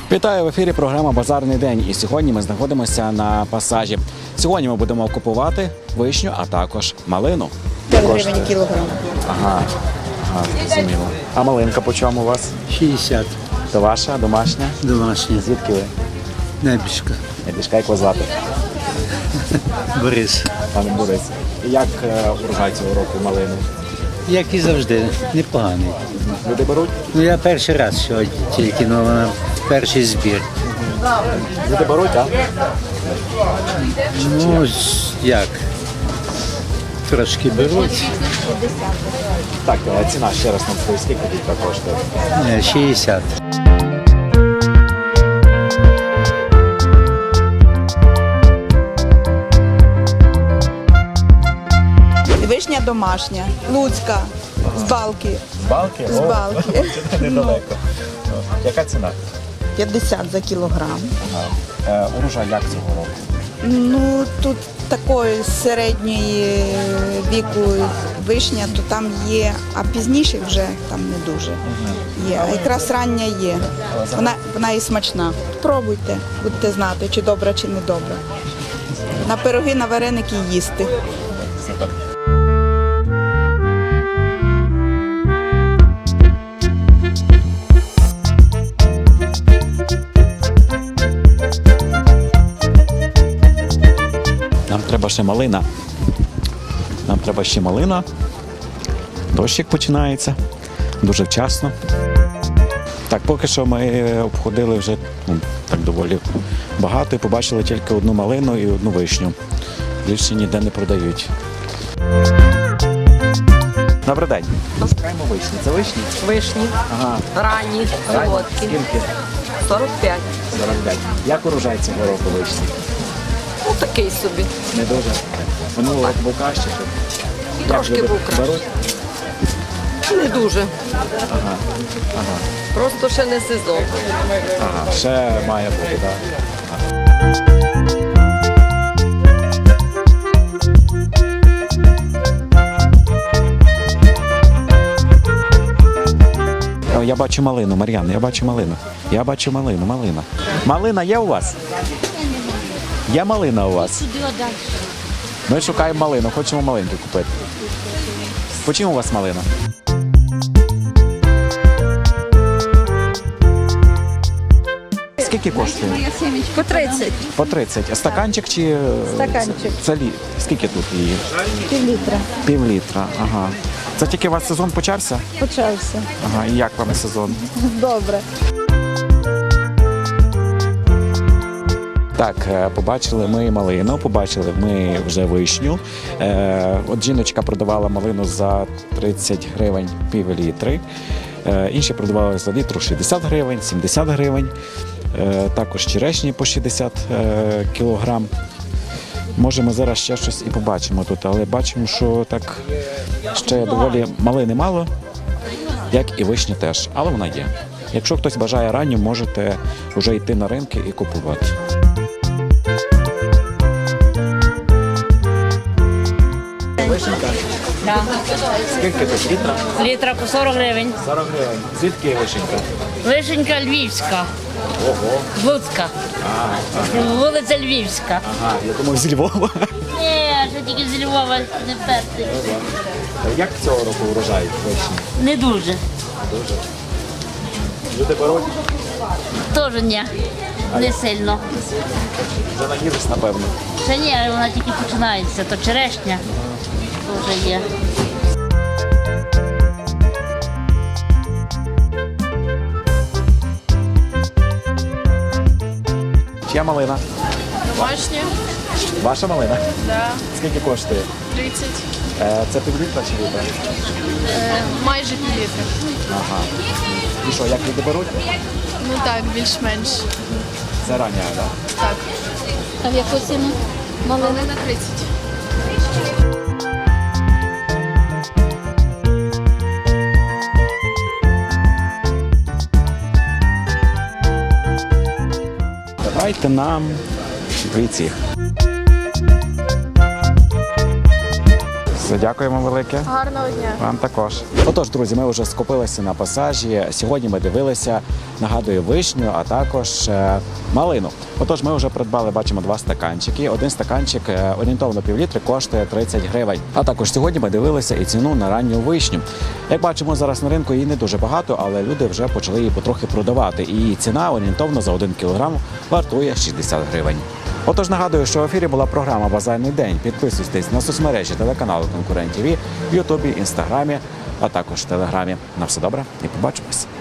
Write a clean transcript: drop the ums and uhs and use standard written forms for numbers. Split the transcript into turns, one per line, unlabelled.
Вітаю, в ефірі програма «Базарний день». І сьогодні ми знаходимося на пасажі. Сьогодні ми будемо купувати вишню, а також малину.
5 гривень кілограм.
Ага, зрозуміло. А малинка по чому у вас?
60.
То ваша, домашня?
Домашня.
Звідки ви?
Небіжка.
Небіжка, як вас звати?
Борис.
Пане Борис. І як урожай цього року малини?
Як і завжди, непоганий.
Люди беруть?
Ну я перший раз сьогодні, тільки вона перший збір.
Люди беруть, так?
Ну, як? Трошки беруть.
Так, ціна ще раз нам скажіть, скільки літра коштує?
60.
Вишня домашня, луцька, з балки.
З балки?
З балки.
Недалеко. Яка ціна?
50 за кілограм.
Урожай як цього року?
Ну, тут такої середньої віку вишня, то там є, а пізніше вже там не дуже є. А якраз рання є. Вона і смачна. Пробуйте, будете знати, чи добра, чи не добра. На пироги, на вареники їсти.
Нам треба ще малина. Нам треба ще малина. Дощик починається. Дуже вчасно. Так, поки що ми обходили вже так доволі багато і побачили тільки одну малину і одну вишню. Більше ніде не продають. Добрий день. Шукаємо вишні. Це вишні?
Вишні,
Ага.
ранні, солодкі.
Скільки?
45.
45. Як урожай цього року вишні?
Ну такий собі.
Не дуже. Минулого року був краще. Як
Трошки
люди
був краще.
беруть?
Не дуже. Просто ще не сезон.
Ага, ще має бути, так. Я бачу малину, Мар'яна, я бачу малину. Я бачу малину, малина. Малина є у вас? Є малина у вас? Ми шукаємо малину, хочемо малинки купити. По чому у вас малина? Скільки коштує?
По 30.
По 30. А стаканчик чи...
Стаканчик.
Скільки тут її?
Пів-літра.
Пів літра, ага. Це тільки у вас сезон почався?
Почався.
Ага, і як вам сезон?
Добре.
Так, побачили ми малину, побачили ми вже вишню. От жіночка продавала малину за 30 гривень пів літри. Інші продавали за літру 60 гривень, 70 гривень. Також черешні по 60 кілограм. Може, ми зараз ще щось і побачимо тут, але бачимо, що так ще доволі малини мало, як і вишні теж, але вона є. Якщо хтось бажає ранню, можете вже йти на ринки і купувати. Вишенька?
Так.
Скільки тут літра?
Літра по 40 гривень.
40 гривень. Звідки вишенька?
Вишенька Львівська.
Ого.
З Луцька. Вулиця Львівська.
Ага, я думав зі Львова.
Ні, ще тільки з Львова не перти.
Як цього року урожай вишні?
Не дуже.
Дуже. Люди беруть,
Теж ні. Не сильно.
вже наїлись, напевно.
Ще ні, вона тільки починається. То черешня теж є.
Чия малина?
Домашня,
Ваша малина?
да,
Скільки коштує?
30,
Це півлітра чи літра?
майже півлітра.
Ага. І що, як люди беруть?
Ну так, більш-менш.
Це рання, так?
Так.
А в яку ціну?
Малина 30.
Давайте нам вийти. Все, дякуємо велике.
Гарного дня.
Вам також. Отож, друзі, ми вже скупилися на пасажі. Сьогодні ми дивилися, нагадую, вишню, а також малину. Отож, ми вже придбали, бачимо, 2 стаканчики. Один стаканчик орієнтовно півлітри коштує 30 гривень. А також сьогодні ми дивилися і ціну на ранню вишню. Як бачимо, зараз на ринку її не дуже багато, але люди вже почали її потрохи продавати. І її ціна орієнтовно за 1 кілограм вартує 60 гривень. Отож, нагадую, що в ефірі була програма «Базарний день». Підписуйтесь на соцмережі телеканалу «Конкурент ТВ» в Ютубі, Інстаграмі, а також в Телеграмі. На все добре і побачимось.